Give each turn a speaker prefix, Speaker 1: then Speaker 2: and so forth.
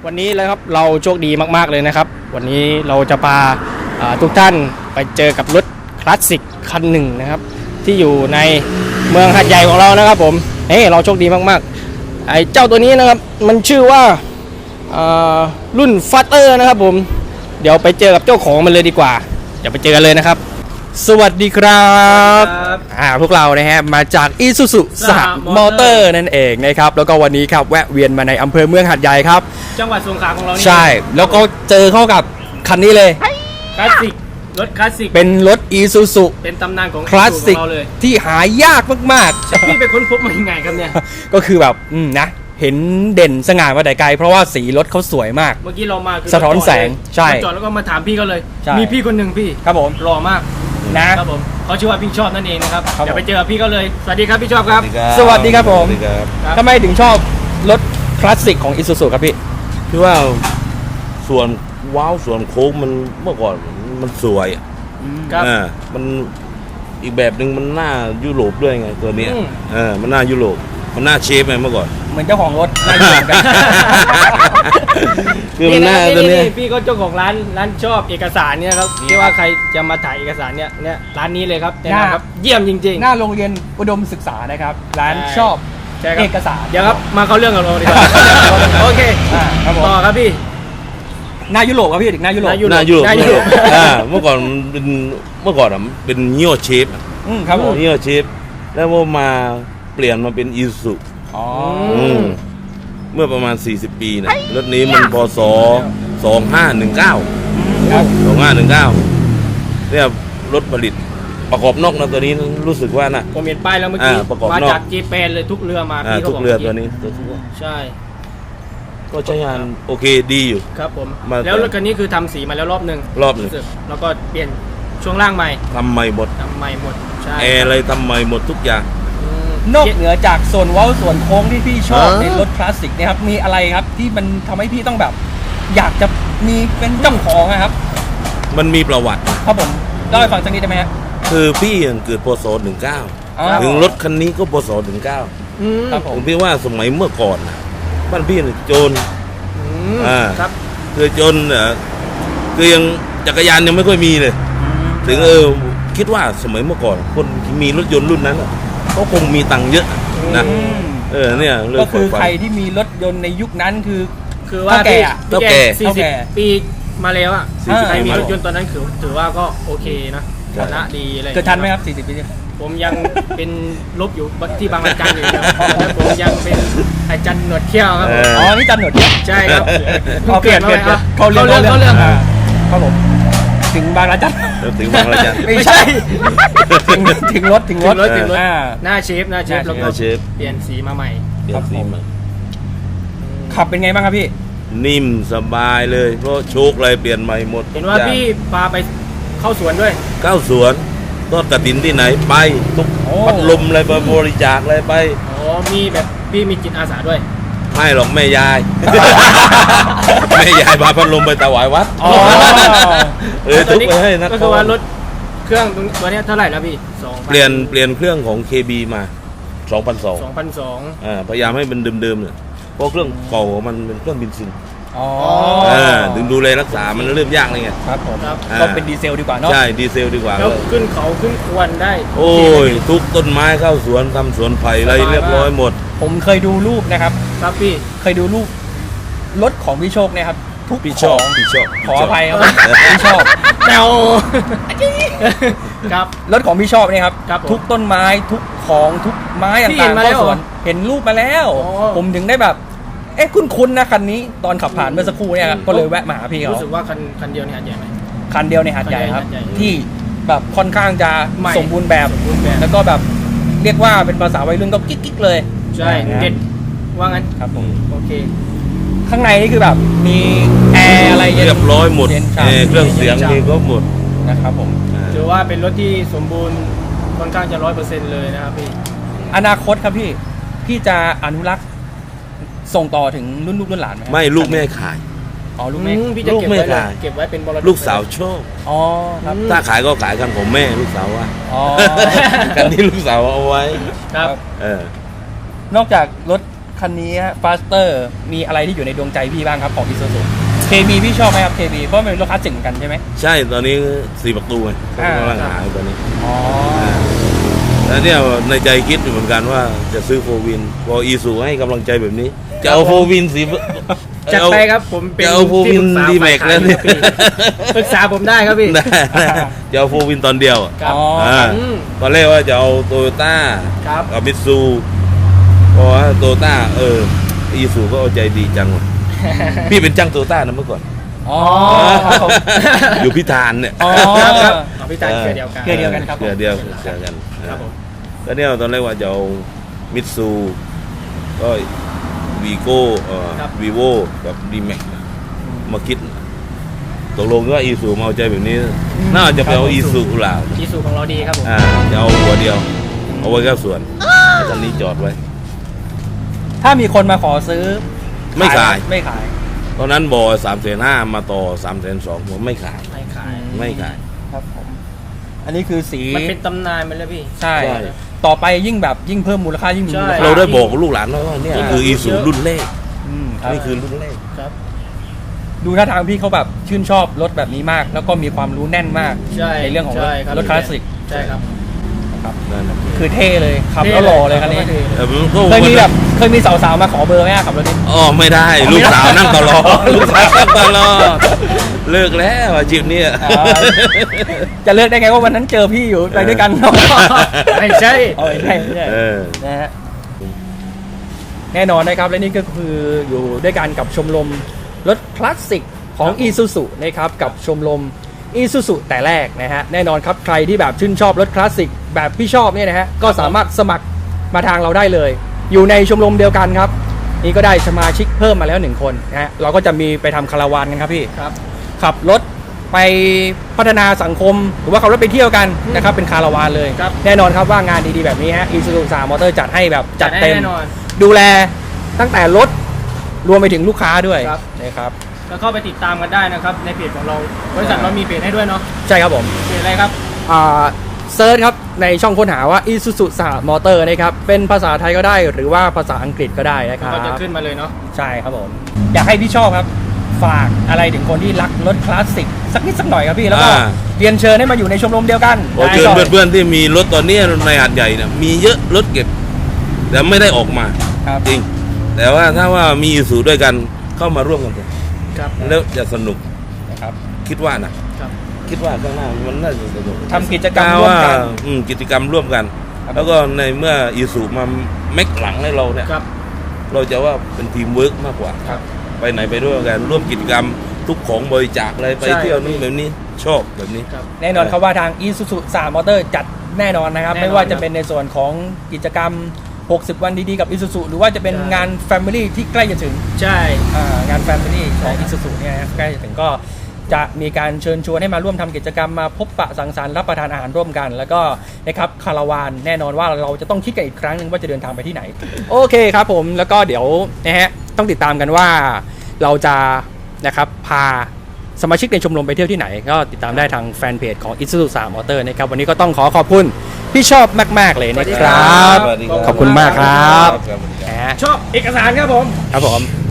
Speaker 1: วันนี้เลยครับเราโชคดีมากๆเลยนะครับวันนี้เราจะพาทุกท่านไปเจอกับรถคลาสสิกคันหนึ่งนะครับที่อยู่ในเมืองหาดใหญ่ของเรานะครับผมเราโชคดีมากๆไอ้เจ้าตัวนี้นะครับมันชื่อว่ารุ่นฟัตเตอร์นะครับผมเดี๋ยวไปเจอกับเจ้าของมันเลยดีกว่าเดี๋ยวไปเจอกันเลยนะครับสวัสดีครับพวกเรานะฮะมาจากอิซูซุสหมอเตอร์นั่นเองนะครับแล้วก็วันนี้ครับแวะเวียนมาในอำเภอเมืองหาดใหญ่ครับ
Speaker 2: จังหวัดสงขลาของเรานี่
Speaker 1: ใช่แล้วก็เจอเข้ากับคันนี้เลย
Speaker 2: คลาสสิกรถคลาสสิก
Speaker 1: เป็นรถอีซูซุ
Speaker 2: เป็นตำนานของ
Speaker 1: คลาสสิกที่หายากมาก
Speaker 2: ๆพี่ไปค้นพบมายังไงครับเนี่ย
Speaker 1: ก็คือแบบนะเห็นเด่นสง่ามาแต่ไกลเพราะว่าสีรถเขาสวยมาก
Speaker 2: เมื่อกี้เรามา
Speaker 1: สะท้อนแสงใช่
Speaker 2: จอดแล้วก็มาถามพี่เขาเลยมีพี่คนหนึ่งพี่
Speaker 1: ครับผม
Speaker 2: หล่อมากนะครับผมเขาชื่อว่าพี่ชอบนั่นเองนะครับเดี๋ยวไปเจอพี่เขาเลยสวัสดีครับพี่ชอบครับ
Speaker 1: สวัสดีครับผมทำไมถึงชอบรถคลาสสิกของอิซูซุครับพี่
Speaker 3: คือว่าส่วนว้าวส่วนโค้งมันเมื่อก่อนมันสวย
Speaker 2: ครับ
Speaker 3: มันอีกแบบหนึ่งมันหน้ายุโรปด้วยไงตัวนี้มันหน้ายุโรปมันหน้าเชฟไงเมื่อก่อน
Speaker 1: เหมือนเจ้าของรถหน้ายุโรปกัน
Speaker 3: คือมันหน้าตัวนี้
Speaker 2: พี่ก็เจ้าของร้านชอบเอกสารเนี่ยครับที่ว่าใครจะมาถ่ายเอกสารเนี่ยร้านนี้เลยครับนะครับเยี่ยมจริงๆ
Speaker 1: หน้าโรงเรียนอุดมศึกษานะครับร้านชอบเอกสาร
Speaker 2: เดี๋ยวครับมาเข้าเรื่องกับเราดีกว่าโอเคต่อครับพี่
Speaker 1: หน้ายุโรปครับพี่ถึงหน้ายุโรป
Speaker 3: เมื่อก่อนเป็นเงี้ยวเชฟ
Speaker 1: ครับผม
Speaker 3: เงี้ยวเชฟแล้วพอมาเปลี่ยนมาเป็นอีซูเมื่อประมาณ40 ปีนะรถนี้มันพศ2519ครับ2519เนี่ยรถผลิตประกอบนอกนะตัวนี้รู้สึกว่านะ
Speaker 2: ผมเห็นป้ายแล้วเมื่อกี้มาจากเจแปนเลยทุกเรือมาพี่
Speaker 3: ทุกเรือตัวนี้
Speaker 2: ใช่
Speaker 3: ก็ใช้งานโอเคดีอยู่
Speaker 2: ครับผมแล้วรถคันนี้คือทำสีมาแล้วรอบหนึ่งแล้วก็เปลี่ยนช่วงล่างใหม่
Speaker 3: ทำใหม่หมด
Speaker 2: ใช่
Speaker 3: แอร์อะไรทำใหม่หมดทุกอย่าง
Speaker 1: นอกเหนือจากส่วนเว้าส่วนโค้งที่พี่ชอบในรถคลาสสิกนะครับมีอะไรครับที่มันทำให้พี่ต้องแบบอยากจะมีเป็นเจ้าของนะครับ
Speaker 3: มันมีประวัติ
Speaker 1: ครับผมเล่าให้ฟังสักนิดได้ไหมครับ
Speaker 3: คือพี่เกิดพศ19ถึงรถคันนี้ก็พศ19ครับผมพี่ว่าสมัยเมื่อก่อนบ้านพี่โจร
Speaker 2: ครับ
Speaker 3: คือโจรคือยังจักรยานยังไม่ค่อยมีเลยถึงคิดว่าสมัยเมื่อก่อนคนที่มีรถยนต์รุ่นนั้นก็คงมีตังค์เยอะนะเนี่ย
Speaker 1: ก็คือใครที่มีรถยนต์ในยุคนั้นคือ
Speaker 2: ว่า
Speaker 1: แก่
Speaker 2: 40 ปีมาแล้วอ่ะใครมีรถยนต์ตอนนั้นถือว่าก็โอเคนะฐานะดีอะไร
Speaker 1: เกิดทันไหมครับ40 ปี
Speaker 2: ผมยังเป็นลบอยู่ที่บางระจันอยู่แล้วผมยังเป็นอาจารย์หนวดเที่ยวครับ
Speaker 1: อ๋อนี่จันหนวดเที่ยว
Speaker 2: ใช่ครับ
Speaker 1: เปลี่ยนเขาเรื่องครับผมถึงบางระจัน
Speaker 3: ถึงบางระจัน
Speaker 1: ไม่ใช่ถึงรถ
Speaker 2: หน้าเชฟแล้วก็เปลี่ยนสีมาใหม่
Speaker 1: ขับเป็นไงบ้างครับพี่
Speaker 3: นิ่มสบายเลยเพราะโชคอะไรเปลี่ยนใหม่หมด
Speaker 2: เห็นว่าพี่พาไปเข้าสวนด้วย
Speaker 3: เข้าสวนทอดกฐินที่ไหนไปทุกพัดลมอะไรไปบริจาคอะไรไป
Speaker 2: มีแบบพี่มีจิตอาสาด้วย
Speaker 3: ไม่หรอกแม่ยายพาพัดลมไปถวายวัด
Speaker 2: ทุกไปให้นะก็คือว่ารถเครื่องตัวนี้เท่าไหร่แล้วพี่
Speaker 3: เปลี่ยนเครื่องของ KB มา2,200พยายามให้มันเดิมๆเนี่ยเพราะเครื่องเก่ามันเป็นเครื่องเบนซินถึงดูแลรักษามันเริ่มยากเลยไง
Speaker 1: ครับผมก็เป็นดีเซลดีกว่าเนาะ
Speaker 3: ใช่ดีเซลดีกว่า
Speaker 2: แล้วขึ้นเขาขึ้นควนได้
Speaker 3: โอ้ยทุกต้นไม้เข้าสวนทำสวนไผ่อะไรเรียบร้อยหมด
Speaker 1: ผมเคยดูรูปนะครับ
Speaker 2: ครับพี่
Speaker 1: เคยดูรูปรถของพี่โชคเนี่ยครับทุก
Speaker 3: พี่ชอบ
Speaker 1: ขออภัยครับพี่ชอบ
Speaker 2: แนวครับ
Speaker 1: รถของพี่ชอบเนี่ยครับทุกต้นไม้ทุกของทุกไม้ต่างๆเข้าสวนเห็นรูปมาแล้วผมถึงได้แบบคุ้นๆนะคันนี้ตอนขับผ่านเมื่อสักครู่เนี่ยก็เลยแวะมาหาพี่เขา
Speaker 2: รู้สึกว่าคันเดียวในหาดใหญ่ไหม
Speaker 1: คันเดียวในหาดใหญ่ครับที่แบบค่อนข้างจะสมบูรณ์แบบแล้วก็แบบเรียกว่าเป็นภาษาวัยรุ่นก็กิ๊กๆเลย
Speaker 2: ใช่เด็ดว่างั้น
Speaker 1: ครับผม
Speaker 2: โอเค
Speaker 1: ข้างในนี่คือแบบมีแอร์อะไร
Speaker 3: เรียบร้อยหมดเครื่องเสียงมีก็หมด
Speaker 1: นะครับผม
Speaker 2: ถือว่าเป็นรถที่สมบูรณ์ค่อนข้างจะ100%เลยนะครับพี่
Speaker 1: อนาคตครับพี่จะอนุรักษ์ส่งต่อถึงรุ่นลูกรุ่นหลานไหม
Speaker 3: ไม่ลูกแม่ขาย
Speaker 1: ลูกแม่
Speaker 2: พี่จะเก็บไว้เป็นมรดก
Speaker 3: ลูกสาวโชค
Speaker 1: ครับ
Speaker 3: ถ้าขายก็ขายกันของแม่ลูกสาวว่ากันที่ลูกสาวเอาไว้
Speaker 2: ครับ
Speaker 1: นอกจากรถคคันนี้ฟาสเตอร์มีอะไรที่อยู่ในดวงใจพี่บ้างครับของ Isuzu เคมีพี่ชอบไหมครับเคมีเพราะมันเป็นรถคลาสสิกเหมือนกันใช่ไหม
Speaker 3: ใช่ตอนนี้4 ประตูไง
Speaker 1: อ่า
Speaker 3: กำลังหาอยู่ตอนนี้
Speaker 1: อ๋อ
Speaker 3: แล้วเนี่ยในใจคิดอยู่เหมือนกันว่าจะซื้อโฟวินพออีซูให้กำลังใจแบบนี้ จะเอาโฟวินสี
Speaker 2: จัดไปครับผมเป็น
Speaker 3: จะเอาโฟวิน
Speaker 2: ที่ปรึกษา
Speaker 3: ดีแม็กแล้วเนี่ย
Speaker 2: ปรึกษาผมได้ครับพี่
Speaker 3: ได้จะเอาโฟวินตอนเดียวอะ
Speaker 2: ครับ
Speaker 1: อ๋ออ่
Speaker 3: า
Speaker 2: อืม
Speaker 3: ตอนแรกว่าจะเอาโตโยต้า
Speaker 2: ครับ
Speaker 3: กับมิตซูเพราะว่าโตโยต้าอีซูก็เอาใจดีจังว่ะ พี่เป็นจ้างโตโยต้านะเมื่อก่อน
Speaker 1: อ๋อครับผม
Speaker 3: อยู่พิธานเนี่ย
Speaker 1: อ๋อ
Speaker 2: ครับเอาพี่ตาเครือเดียวกัน
Speaker 1: เครือเดียวกันครับผม
Speaker 3: เครือเดียวกัน
Speaker 2: ครับผม
Speaker 3: ก็เนี่ยตอนแรกว่าจะเอามิตซูก็วีโก้วีโวกับดีแม็กมาคิดตกลงว่าอีซูมาเอาใจแบบนี้ น่าจะไปเอาอีซูหล่า
Speaker 2: อีซูของเราดีครับผม
Speaker 3: จะเอาหัวเดียว เอาไว้แค่ส่วนแล้วตอนนี้จอดไว้
Speaker 1: ถ้ามีคนมาขอซื้อ
Speaker 3: ไม่ขาย
Speaker 1: ไม่ขาย
Speaker 3: ตอนนั้นบอ350,000มาต่อ320,000ผมไม่ขาย
Speaker 2: ไม่ขาย
Speaker 3: ไม่ขาย
Speaker 1: ครับผมอันนี้คือสี
Speaker 2: มันเป็นตำนานไปแล้วพี่
Speaker 1: ใช่
Speaker 3: ใช่
Speaker 1: ต่อไปยิ่งแบบยิ่งเพิ่มมูลค่ายิ่งมีมูล
Speaker 2: ใช่
Speaker 1: ค่า
Speaker 3: เราได้บอกกับลูกหลานว่าเนี่ยคืออีซูรุ่นแรก
Speaker 1: ครับ
Speaker 3: นี่คือรุ่นแรก
Speaker 2: ครับ
Speaker 1: ดูท่าทางพี่เขาแบบชื่นชอบรถแบบนี้มาก แล้วก็มีความรู้แน่นมาก
Speaker 2: ใช่
Speaker 1: เรื่องของรถ
Speaker 2: ใช่บ
Speaker 1: รถคลาสสิก
Speaker 2: ใช่ครับ
Speaker 3: นั่นนะ
Speaker 1: คือเท่เลยขับแล้วหล่อเลยคันนี้
Speaker 3: แต่มันก็
Speaker 1: เคยมีแบบเคยมีสาวๆมาขอเบอร์ไหมอะขับรถนี้
Speaker 3: อ๋อไม่ได้ลูกสาวนั่งตลอดลูกสาวนั่งตลอดเลิกแล้วอาชีพเนี้ย
Speaker 1: จะเลือกได้ไงว่าวันนั้นเจอพี่อยู่ไปด้วยกันเนาะ
Speaker 2: ไม่ใช่
Speaker 1: เอาไม่ใช่ไม่ใช่
Speaker 3: เออ
Speaker 1: นะฮะแน่นอนนะครับและนี่ก็คืออยู่ด้วยกันกับชมรมรถคลาสสิกของ Isuzu นะครับกับชมรม Isuzu แต่แรกนะฮะแน่นอนครับใครที่แบบชื่นชอบรถคลาสสิกแบบพี่ชอบเนี่ยนะฮะก็สามารถสมัครมาทางเราได้เลย อยู่ในชมรมเดียวกันครับ นี่ก็ได้สมาชิกเพิ่มมาแล้ว1 คนนะฮะเราก็จะมีไปทำคาราวานกันครับพี่
Speaker 2: ครับ
Speaker 1: ขับรถไปพัฒนาสังคม หรือว่าขับรถไปเที่ยวกันนะครับเป็นคาราวานเลย
Speaker 2: ครับ
Speaker 1: แน่นอนครับว่างานดีๆแบบนี้ฮะ Isuzu 3 Motor จัดให้แบบจัดเต็ม
Speaker 2: แน่นอน
Speaker 1: ดูแลตั้งแต่รถรวมไปถึงลูกค้าด้วย
Speaker 2: ครับ
Speaker 1: นะครับ
Speaker 2: แล้วเข้าไปติดตามกันได้นะครับในเพจของเราบริษัทเรามีเพจให้ด้วยเนาะ
Speaker 1: ใช่ครับผม
Speaker 2: เพจอะไรครับ
Speaker 1: เซิร์ชครับในช่องค้นหาว่า Isuzu 3 Motor นะครับเป็นภาษาไทยก็ได้หรือว่าภาษาอังกฤษก็ได้นะครับ
Speaker 2: ก็จะขึ้นมาเลยเนาะ
Speaker 1: ใช่ครับผมอยากให้พี่ชอบครับฝากอะไรถึงคนที่รักรถคลาสสิกสักนิดสักหน่อยครับพี่แล้วก็เรียนเชิญให้มาอยู่ในชมรมเดียวกัน
Speaker 3: ขอเชิญเพื่อนๆที่มีรถตอนนี้ในหาดใหญ่เนี่ยมีเยอะรถเก็บ แต่ไม่ได้ออกมา
Speaker 1: ครับ
Speaker 3: จริง แต่ว่าถ้าว่ามีอีซูด้วยกันเข้ามาร่วมกันเถอะ
Speaker 2: ครับ
Speaker 3: แล้วจะสนุก
Speaker 1: นะครับ
Speaker 3: คิดว่านะครับ คิดว่าข้างหน้ามันน่าจะสนุก
Speaker 1: ทำกิจกรรมร่วมกัน
Speaker 3: กิจกรรมร่วมกัน
Speaker 1: ครับ
Speaker 3: แล้วก็ในเมื่ออีซูมาแม็กหลังให้เราเนี่ย
Speaker 2: ครับ
Speaker 3: เราจะว่าเป็นทีมเวิร์กมากกว่า
Speaker 1: ครับ
Speaker 3: ไปไหนไปด้วยกันร่วมกิจกรรมทุกของบริจาคอะไรไป
Speaker 2: ใช่
Speaker 3: เที่ยวนู่นแบบนี้ชอบแบบนี้
Speaker 2: ครับ
Speaker 1: แน่นอนครับว่าทาง Isuzu 3 Motor จัดแน่นอนนะครับ
Speaker 2: แน่นอน
Speaker 1: ไม่ว่าจะเป็นในส่วนของกิจกรรม 60 วันดีๆกับ Isuzu หรือว่าจะเป็น
Speaker 2: ใช่
Speaker 1: งาน Family ที่ใกล้จะถึง
Speaker 2: ใช่
Speaker 1: งาน Family ของ Isuzu เนี่ยนะครับใกล้จะถึงก็จะมีการเชิญชวนให้มาร่วมทำกิจกรรมมาพบปะสังสรรค์รับประทานอาหารร่วมกัน แล้วก็นะครับคาราวานแน่นอนว่าเราจะต้องคิดกันอีกครั้งหนึ่งว่าจะเดินทางไปที่ไหน โอเคครับผมแล้วก็เดี๋ยวนะฮะต้องติดตามกันว่าเราจะนะครับพาสมาชิกในชมรมไปเที่ยวที่ไหน ก็ติดตามได้ทางแฟนเพจของ Isuzu 3 Motor นะครับวันนี้ก็ต้องขอบคุณพี่ชอบมากๆเลยนะครับ
Speaker 3: สวัสดีครับ
Speaker 1: ขอบคุณมากครับ
Speaker 3: ครับ
Speaker 1: นะฮะ
Speaker 2: ชอบเอกสารครับผม
Speaker 1: ครับผม